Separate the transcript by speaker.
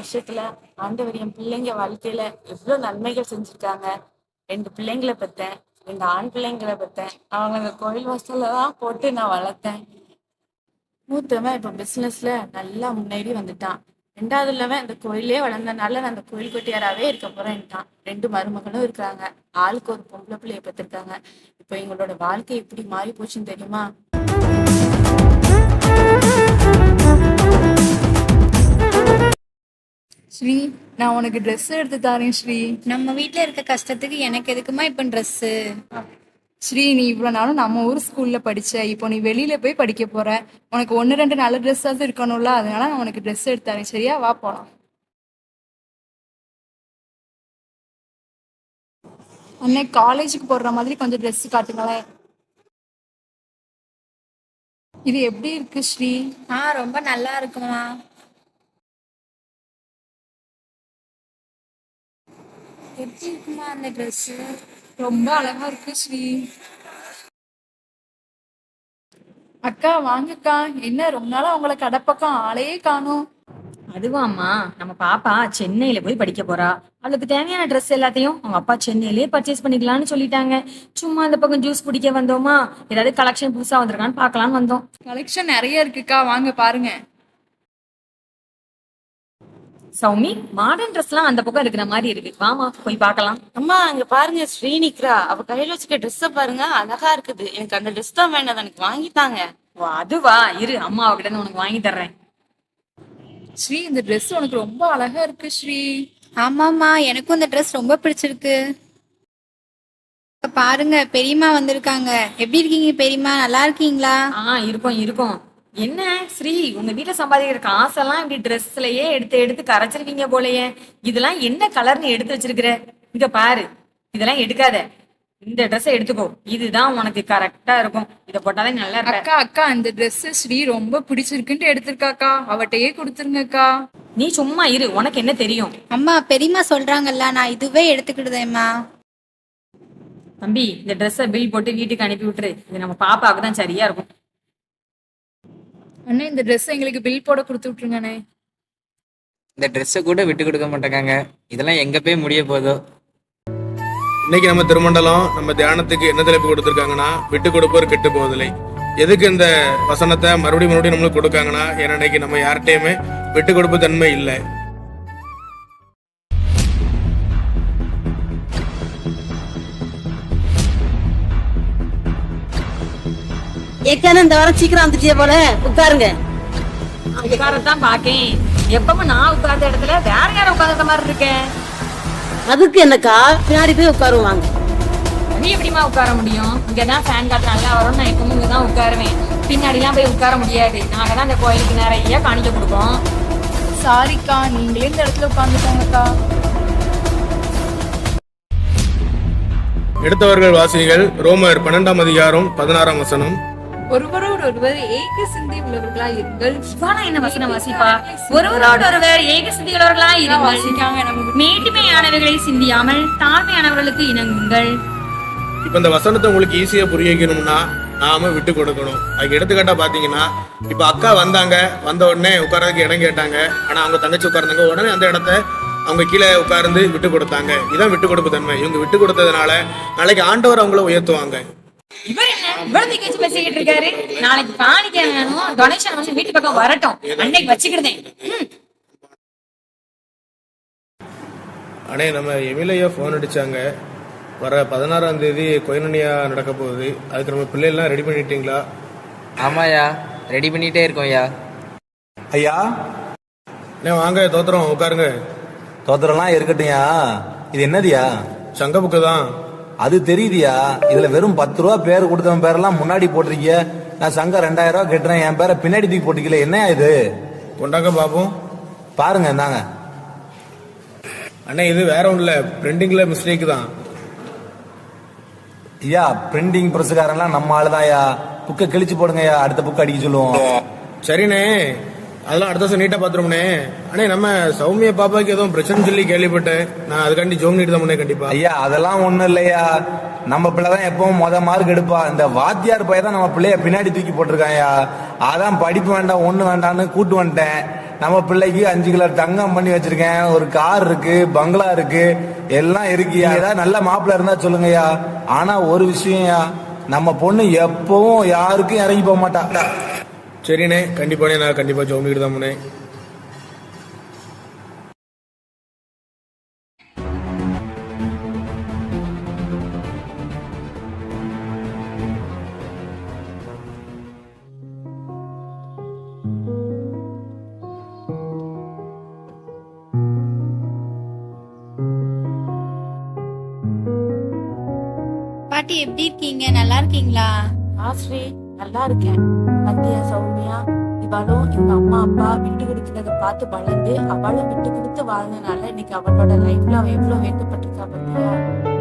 Speaker 1: வருஷத்துல ஆண்டவர் என் பிள்ளைங்க வாழ்க்கையில எவ்வளவு நன்மைகள் செஞ்சிருக்காங்க. 2 பிள்ளைங்களை பெத்தேன், 2 ஆண் பிள்ளைங்களை பெத்தேன். அவங்க அந்த கோயில் வாசல்ல தான் போட்டு நான் வளர்த்தேன். மூத்தவன் இப்ப பிசினஸ்ல நல்லா முன்னேறி வந்துட்டான். 2வதுலவன் இந்த கோயிலே வளர்ந்தனால நான் அந்த கோயில் கொட்டியாராவே இருக்க போறேன்ட்டான். 2 மருமகளும் இருக்காங்க. ஆளுக்கு ஒரு பொம்பளை பிள்ளைய பெற்றிருக்காங்க. இப்ப எங்களோட வாழ்க்கை எப்படி மாறி போச்சுன்னு தெரியுமா?
Speaker 2: ஸ்ரீ, நான் உனக்கு ட்ரெஸ் எடுத்து தரேன் ஸ்ரீ.
Speaker 3: நம்ம வீட்ல இருக்க கஷ்டத்துக்கு எனக்கு எதுக்குமா இப்ப ட்ரெஸ்ஸு?
Speaker 2: ஸ்ரீ, நீ இவ்வளவு நாளும் நம்ம ஊர் ஸ்கூல்ல படிச்ச, இப்போ நீ வெளியில போய் படிக்க போற. உனக்கு 1 2 நல்ல ட்ரெஸ்ஸாவது இருக்கணும்ல, அதனால நான் உனக்கு ட்ரெஸ் எடுத்து தரேன். சரியா? வா போலாம். அண்ணே, காலேஜுக்கு போடுற மாதிரி கொஞ்சம் ட்ரெஸ் காட்டுங்களேன். இது எப்படி இருக்கு ஸ்ரீ?
Speaker 3: ரொம்ப நல்லா இருக்குமா. எப்படி இருக்குமா அந்த ட்ரெஸ்ஸு?
Speaker 2: ரொம்ப அழகா இருக்கு ஸ்ரீ. அக்கா வாங்கக்கா. என்ன ரொம்ப நாளா உங்களை கடை பக்கம் ஆளையே காணோம்.
Speaker 4: அதுவாம்மா, நம்ம பாப்பா சென்னையில போய் படிக்க போறா. அவளுக்கு தேவையான ட்ரெஸ் எல்லாத்தையும் அவங்க அப்பா சென்னையிலேயே பர்ச்சேஸ் பண்ணிக்கலாம்னு சொல்லிட்டாங்க. சும்மா அந்த பக்கம் ஜூஸ் குடிக்க வந்தோமா, ஏதாவது கலெக்ஷன் புதுசா வந்திருக்கான்னு பார்க்கலான்னு வந்தோம்.
Speaker 2: கலெக்ஷன் நிறைய இருக்குக்கா, வாங்க பாருங்க.
Speaker 4: சௌமி, மாடர்ன் ட்ரெஸ் எல்லாம் அந்த பக்கம் இருக்கிற மாதிரி இருக்கு. வாமா போய் பார்க்கலாம்.
Speaker 1: அம்மா அங்க பாருங்க, ஸ்ரீநிக்ரா. அவ கையில வச்சுக்க ட்ரெஸ்ஸ பாருங்க, அழகா இருக்குது. எனக்கு அந்த ட்ரெஸ் தான் வேண்டாம், எனக்கு வாங்கித்தாங்க.
Speaker 4: ஓ, அதுவா? இரு, அம்மா கிட்ட இருந்து உனக்கு வாங்கி தர்றேன்.
Speaker 2: ஸ்ரீ, இந்த ட்ரெஸ் உனக்கு ரொம்ப அழகா இருக்கு ஸ்ரீ.
Speaker 3: ஆமாம்மா, எனக்கும் இந்த ட்ரெஸ் ரொம்ப பிடிச்சிருக்கு. பாருங்க, பெரியம்மா வந்திருக்காங்க. எப்படி இருக்கீங்க பெரியம்மா? நல்லா இருக்கீங்களா?
Speaker 4: இருக்கும் இருக்கும். என்ன ஸ்ரீ, உங்க வீட்டுல சம்பாதிக்கிற காசெல்லாம் இப்படி ட்ரெஸ்லயே எடுத்து எடுத்து கரைச்சிருக்கீங்க போலயே. இதெல்லாம் என்ன கலர்னு எடுத்து வச்சிருக்கிற? இங்க பாரு, இதெல்லாம் எடுக்காத. இந்த ட்ரெஸ்ஸை எடுத்துக்கோ, இதுதான் உனக்கு கரெக்டா இருக்கும். இத போட்டாலே நல்லா இருக்க.
Speaker 2: அக்கா அக்கா, இந்த ட்ரெஸ் ஸ்ரீ ரொம்ப பிடிச்சிருக்குன்ட்டு எடுத்திருக்காக்கா, அவட்டையே கொடுத்துருங்கக்கா.
Speaker 4: நீ சும்மா இரு, உனக்கு என்ன தெரியும்?
Speaker 3: அம்மா, பெரியம்மா சொல்றாங்கல்ல, நான் இதுவே எடுத்துக்கிடுதேம்மா.
Speaker 4: தம்பி, இந்த ட்ரெஸ்ஸை பில் போட்டு வீட்டுக்கு அனுப்பி விட்டுரு. இது நம்ம பாப்பாவுக்கு தான் சரியா இருக்கும்.
Speaker 2: அண்ணே, இந்த ட்ரெஸ் எங்களுக்கு பில் போட கொடுத்து விட்டுருங்கண்ணே.
Speaker 5: இந்த ட்ரெஸ்ஸை கூட விட்டு கொடுக்க மாட்டேங்காங்க. இதெல்லாம் எங்க போய் முடிய போதோ.
Speaker 6: இன்னைக்கு நம்ம திருமண்டலம் நம்ம தியானத்துக்கு என்ன தலைப்பு கொடுத்துருக்காங்கன்னா, விட்டு கொடுப்போர் கெட்டு போவதில்லை. எதுக்கு இந்த வசனத்தை மறுபடியும் நம்மளுக்கு கொடுக்காங்கன்னா, ஏன்னா இன்னைக்கு நம்ம யார்கிட்டயுமே விட்டு கொடுப்பு தன்மை இல்லை.
Speaker 7: ஏற்கனவே இந்த வாரம் சீக்கிரம் வந்துட்டே போல, உட்காருங்க.
Speaker 4: உட்காரத்தான் பாக்கேன். எப்பவும் நான் உட்கார்ந்த இடத்துல வேற யாரும் உட்கார்ந்த மாதிரி இருக்கேன்.
Speaker 7: அதுக்கு என்னக்கா, பின்னாடி போய் உட்காருவாங்க.
Speaker 4: நீ எப்படிமா உட்கார முடியும்? இங்கதான் ஃபேன் காத்து நல்லா வரும். நான் எப்பவும் இங்கதான் உட்காருவேன். பின்னாடி எல்லாம் போய் உட்கார முடியாது. நாங்க தான் இந்த கோயிலுக்கு நிறைய காணிக்க கொடுப்போம்.
Speaker 2: சாரிக்கா, நீங்களே இந்த இடத்துல உட்காந்துக்கோங்கக்கா.
Speaker 6: எடுத்தவர்கள் வாசிகள் ரோமர் 12ஆம் அதிகாரம் 16ஆம் வசனம்.
Speaker 2: ஒருவரோடு ஒருவர் ஏக சிந்தை உள்ளவர்களா இருங்கள்.
Speaker 4: என்ன வசனம் வாசிப்பா? ஒருவரோடு ஒருவர் ஏக சிந்திகளவர்களா இருங்கள். மேட்டுமையானவர்களை சிந்தியாமல் தாழ்மையானவர்களுக்கு இணங்குங்கள்.
Speaker 6: இப்ப இந்த வசனத்தை உங்களுக்கு ஈஸியா புரிய வைக்கணும்னா நாம விட்டு கொடுக்கணும். அதுக்கு எடுத்துக்காட்டா பாத்தீங்கன்னா, இப்ப அக்கா வந்தாங்க, வந்த உடனே உட்கார்றதுக்கு இடம் கேட்டாங்க. ஆனா அவங்க தங்கச்சி உட்கார்ந்தாங்க, உடனே அந்த இடத்த அவங்க கீழே உட்கார்ந்து விட்டு கொடுத்தாங்க. இதான் விட்டு கொடுப்பு தன்மை. இவங்க விட்டு கொடுத்ததுனால நாளைக்கு ஆண்டவர் அவங்கள உயர்த்துவாங்க.
Speaker 4: இவர் என்ன இவ்வளவு கேச்சு பேசிக்கிட்டு இருக்காரு? நாளைக்கு காணிக்க வேணும், டொனேஷன் வந்து வீட்டு பக்கம் வரட்டும், அன்னைக்கு வச்சுக்கிட்டேன்.
Speaker 6: அண்ணே, நம்ம எமிலையா போன் அடிச்சாங்க. வர 16ஆம் தேதி கொயனனியா நடக்க போகுது. அதுக்கு நம்ம பிள்ளைலாம் ரெடி பண்ணிட்டீங்களா?
Speaker 5: ஆமாயா, ரெடி பண்ணிட்டே இருக்கோம்யா.
Speaker 8: ஐயா,
Speaker 6: வாங்க தோத்திரம், உட்காருங்க.
Speaker 8: தோத்திரம்லாம் இருக்கட்டும்யா. இது என்னதியா?
Speaker 6: சங்க புக்கு தான்.
Speaker 8: அது தெரியுதியா. இதுல வெறும் 10 ரூபா பேர் கொடுத்தவன் பேரெல்லாம் முன்னாடி போட்டிருக்கீங்க. நான் சங்கம் 2000 ரூபா கட்டுறேன், என் பேரை பின்னாடி தூக்கி போட்டிருக்கல. என்னையா இது?
Speaker 6: கொண்டாங்க பாப்போம்.
Speaker 8: பாருங்க, இந்தாங்க.
Speaker 6: அண்ணே, இது வேற ஒன்றும் இல்லை, பிரிண்டிங்ல மிஸ்டேக் தான்.
Speaker 8: ஐயா, பிரிண்டிங் பிரஸ்காரன்லாம் நம்ம ஆளுதான்யா. புக்கை கிழிச்சு போடுங்கய்யா, அடுத்த புக் அடிக்க சொல்லுவோம்.
Speaker 6: சரிண்ணே, அதெல்லாம் அடுத்த வருஷம் நீட்டா பாத்துருவோம்னே. அண்ணே, நம்ம சௌமிய பாப்பாக்கு எதுவும் பிரச்சனை சொல்லி கேள்விப்பட்டேன். நான் அதுக்காண்டி ஜோம் நீட்டு தான் கண்டிப்பா.
Speaker 8: ஐயா, அதெல்லாம் ஒண்ணும் இல்லையா. நம்ம பிள்ளைதான் எப்பவும் மார்க் எடுப்பா. இந்த வாத்தியார் பையன் தான் நம்ம பிள்ளைய பின்னாடி தூக்கி போட்டிருக்காயா. அதான் படிப்பு வேண்டாம் ஒண்ணு வேண்டாம்னு கூட்டு வந்துட்டேன். நம்ம பிள்ளைக்கு 5 கிலோ தங்கம் பண்ணி வச்சிருக்கேன், ஒரு கார் இருக்கு, பங்களா இருக்கு, எல்லாம் இருக்குயா. ஏதாவது நல்ல மாப்பிள்ள இருந்தா சொல்லுங்கய்யா. ஆனா ஒரு விஷயம்யா, நம்ம பொண்ணு எப்பவும் யாருக்கும் இறங்கி போக மாட்டா.
Speaker 6: சரிண்ணே, கண்டிப்பாண்ணே, நான் கண்டிப்பா ஜோமிக்கிட்டு தான் போனேன்.
Speaker 3: பாட்டி எப்படி இருக்கீங்க? நல்லா இருக்கீங்களா?
Speaker 1: ஸ்ரீ நல்லா இருக்கேன். பத்தியா சௌமியா, இவளும் இவங்க அம்மா அப்பா விட்டு கொடுக்கறத பார்த்து வளர்ந்து அவளும் விட்டு கொடுத்து வாழ்ந்தனால இன்னைக்கு அவளோட லைஃப்ல அவ எவ்வளவு வேண்டப்பட்டிருக்கா பத்தியா.